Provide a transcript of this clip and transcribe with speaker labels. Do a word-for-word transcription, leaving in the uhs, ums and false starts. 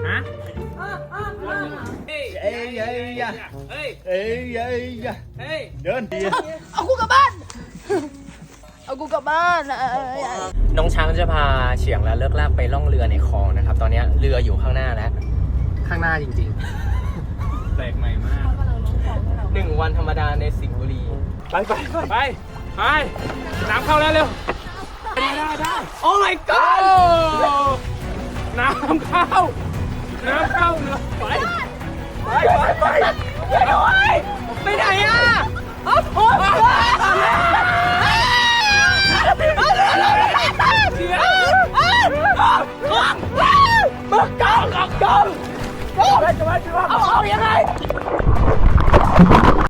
Speaker 1: ฮะเฮ้ยเฮ้ยเฮ้ยเฮ้ยเฮ้ยเฮ้ยเฮ้ยเดินดี
Speaker 2: เอากูกลับบ้านเอากูกลับบ้าน
Speaker 3: น้องช้างจะพาเฉียงและเลิกลากไปล่องเรือในคลองนะครับตอนนี้เรืออยู่ข้างหน้าแล้วข้างหน้าจริงๆ
Speaker 1: แปลกใหม่มาก
Speaker 3: หนึ่งวันธรรมดาในสิงห์บุรี
Speaker 1: ไปไปไปไปน้ำเข้าแล้วเร็วได้ได้ได้โอ้ my god น้ำเข้าน้ำเข้าเลยไปไปไปไปไปไหนอ่ะโอ้โหเสียกองกองกองกองเอาเอายังไง